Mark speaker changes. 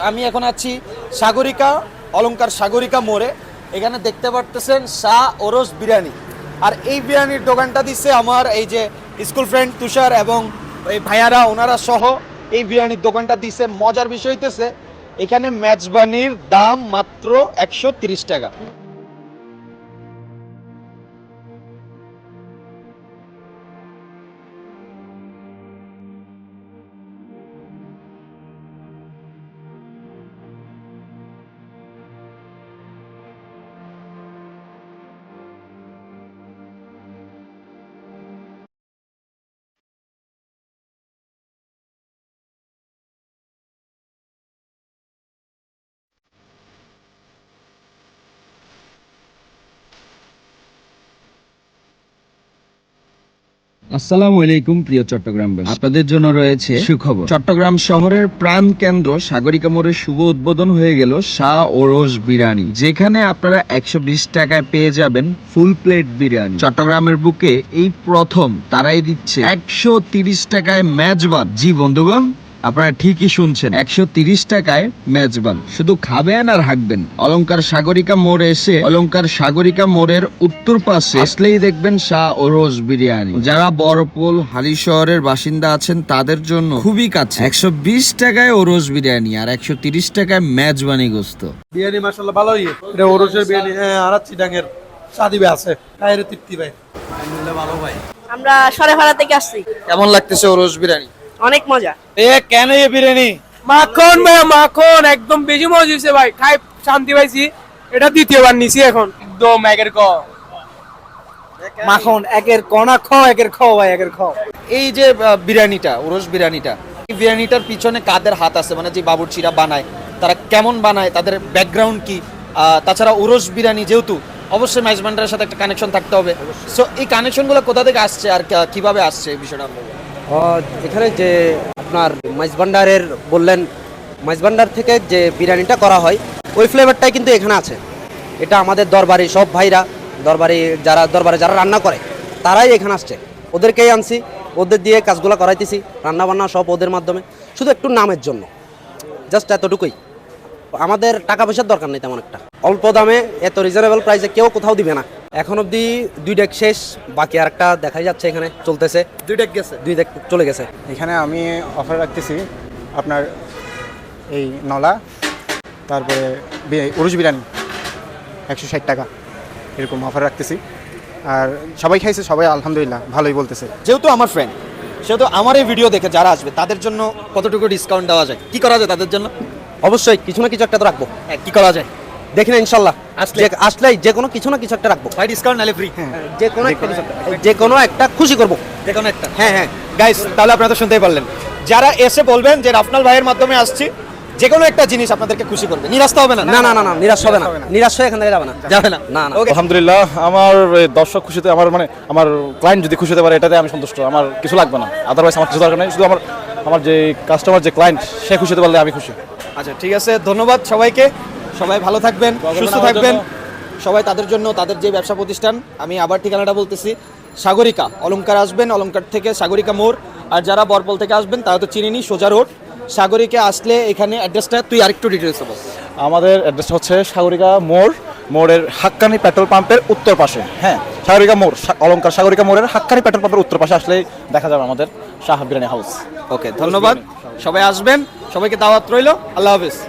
Speaker 1: আমি এখন আছি সাগরিকা অলংকার সাগরিকা মোড়ে। এখানে দেখতে পারতেছেন শাহ ওরস বিরিয়ানি। আর এই বিরিয়ানির দোকানটা দিচ্ছে আমার এই যে স্কুল ফ্রেন্ড তুষার এবং এই ভাইয়ারা ওনারা সহ এই বিরিয়ানির দোকানটা দিচ্ছে। মজার বিষয় হইতেছে এখানে মেজবানির দাম মাত্র 130 টাকা।
Speaker 2: আসসালামু আলাইকুম প্রিয় চট্টগ্রামবাসী, আপনাদের জন্য রয়েছে সুখবর। চট্টগ্রাম শহরের প্রাণ কেন্দ্র সাগরিকা মোড়ের শুভ উদ্বোধন হয়ে গেল শাহ ওরস বিরিয়ানি, যেখানে আপনারা 120 টাকায় পেয়ে যাবেন ফুল প্লেট বিরিয়ানি। চট্টগ্রামের বুকে এই প্রথম তারাই দিচ্ছে 130 টাকায় মেজবান। জি বন্ধুগণ, আপনারা ঠিকই শুনছেন, 130 টাকায় মেজবান। শুধু খাবেন আর হাঁকবেন। অলংকার সাগরিকা মোড়ে এসে অলংকার সাগরিকা মোড়ের উত্তর পাশে আসলেই দেখবেন শাহ ওরস বিরিয়ানি। যারা বড়পুল হালি শহরের বাসিন্দা আছেন তাদের জন্য খুবই কাছে। 120 টাকায় ওরস বিরিয়ানি আর 130 টাকায় মেজবানি গোস্ত।
Speaker 3: বিরিয়ানি মাশাআল্লাহ ভালোই। এটা ওরসের বিরিয়ানি, হ্যাঁ, আর চিটাঙের সাদিবে আছে খাইরে তৃপ্তি ভাই। আলহামদুলিল্লাহ ভালো ভাই।
Speaker 4: আমরা সরেভাড়া থেকে আসছি।
Speaker 1: কেমন লাগতেছে ওরস বিরিয়ানি?
Speaker 4: অনেক মজা।
Speaker 1: কেন এই বিরিয়ানি?
Speaker 3: মাখন ভাই, মাখন একদম বেশি মজা হয়েছে ভাই, খাই শান্তি পাইছি। এটা দ্বিতীয়বার নিছি এখন, একদম একের ক মাখন, একের ক না খ, একের খ ভাই, একের খ।
Speaker 1: এই যে বিরিয়ানিটা, ওরস বিরিয়ানিটা, এই বিরিয়ানিটার পিছনে কাদের হাত আছে? মানে যে বাবুর্চিরা বানায় তারা কেমন বানায়, তাদের ব্যাকগ্রাউন্ড কি? তাছাড়া ওরস বিরিয়ানি যেহেতু অবশ্যই মেজবান্ডারের সাথে একটা কানেকশন থাকতে হবে। সো এই কানেকশনগুলো কোথা থেকে আসছে আর কিভাবে আসছে এই বিষয়টা?
Speaker 5: এখানে যে আপনার মাইজভান্ডারের বললেন, মাইজভান্ডার থেকে যে বিরিয়ানিটা করা হয় ওই ফ্লেভারটাই কিন্তু এখানে আছে। এটা আমাদের দরবারি সব ভাইরা, দরবারে যারা রান্না করে তারাই এখানে আসছে, ওদেরকেই আনছি, ওদের দিয়ে কাজগুলো করাইতেছি, রান্না বান্না সব ওদের মাধ্যমে, শুধু একটু নামের জন্য, জাস্ট এতটুকুই। আমাদের টাকা পয়সার দরকার নেই তেমন একটা, অল্প দামে এত রিজনেবল প্রাইসে কেউ কোথাও দিবে না। এখন অবধি 2 ডেক শেষ, বাকি আরেকটা দেখাই যাচ্ছে, এখানে চলতেছে।
Speaker 1: 2 ডেক গেছে,
Speaker 5: 2 ডেক চলে গেছে।
Speaker 6: এখানে আমি অফার রাখতেছি আপনার এই নলা, তারপরে উরুজ বিরিয়ানি 160 টাকা এরকম অফার রাখতেছি। আর সবাই খাইছে, সবাই আলহামদুলিল্লাহ ভালোই বলতেছে।
Speaker 1: যেহেতু আমার ফ্রেন্ড, সেহেতু আমার এই ভিডিও দেখে যারা আসবে তাদের জন্য কতটুকু ডিসকাউন্ট দেওয়া যায়, কি করা যায় তাদের জন্য?
Speaker 5: অবশ্যই কিছু না কিছু একটা তো রাখবো।
Speaker 1: হ্যাঁ, কি করা যায়
Speaker 5: দেখি না ইনশাল্লাহ,
Speaker 1: আসলে
Speaker 5: আসলেই যে কোনো কিছু না কিছু একটা রাখবো।
Speaker 1: ভাই ডিসকাউন্ট নালে ফ্রি?
Speaker 5: যে কোনো একটা কিছু একটা, যে কোনো একটা খুশি করবো।
Speaker 1: যে কোনো একটা।
Speaker 5: হ্যাঁ হ্যাঁ
Speaker 1: গাইস, তাহলে আপনারা তো শুনতেই পারলেন, যারা এসে বলবেন যে রাফনাল ভাইয়ের মাধ্যমে আসছি, যে কোনো একটা জিনিস আপনাদেরকে খুশি করবে, নিরাশ তো হবে না?
Speaker 5: না না না না, নিরাশ হবে না, নিরাশ হয়ে এখান থেকে যাবে না,
Speaker 1: যাবে না।
Speaker 5: না না।
Speaker 1: Okay.
Speaker 7: আলহামদুলিল্লাহ, আমার দর্শক খুশিতে, আমার ক্লায়েন্ট যদি খুশি হতে পারে এটাতে আমি সন্তুষ্ট। আমার কিছু লাগবে না, আদারওয়াইজ আমার কিছু দরকার নেই। শুধু আমার যে কাস্টমার, যে ক্লায়েন্ট, সে খুশি হতে পারলে আমি খুশি।
Speaker 1: আচ্ছা ঠিক আছে, ধন্যবাদ সবাইকে। সবাই ভালো থাকবেন, সুস্থ থাকবেন সবাই। তাদের জন্য, তাদের যে ব্যবসা প্রতিষ্ঠান, আমি আবার ঠিকানাটা বলতেছি, সাগরিকা অলংকার আসবেন, অলংকার থেকে সাগরিকা মোড়। আর যারা বরপল থেকে আসবেন তারা তো চিনেনি, সোজা রোড। সাগরিকা আসলে এখানে অ্যাড্রেসটা তুই আরেকটু ডিটেলস বল।
Speaker 7: আমাদের অ্যাড্রেসটা হচ্ছে সাগরিকা মোড়ের হাক্কানি পেট্রোল পাম্পের উত্তর পাশে। হ্যাঁ, সাগরিকা মোড়, অলংকার সাগরিকা মোড়ের হাক্কানি পেট্রোল পাম্পের উত্তর পাশে আসলেই দেখা যাবে আমাদের শাহ বিরিয়ানি হাউস।
Speaker 1: ওকে, ধন্যবাদ। সবাই আসবেন, সবাইকে দাওয়াত রইল। আল্লাহ হাফেজ।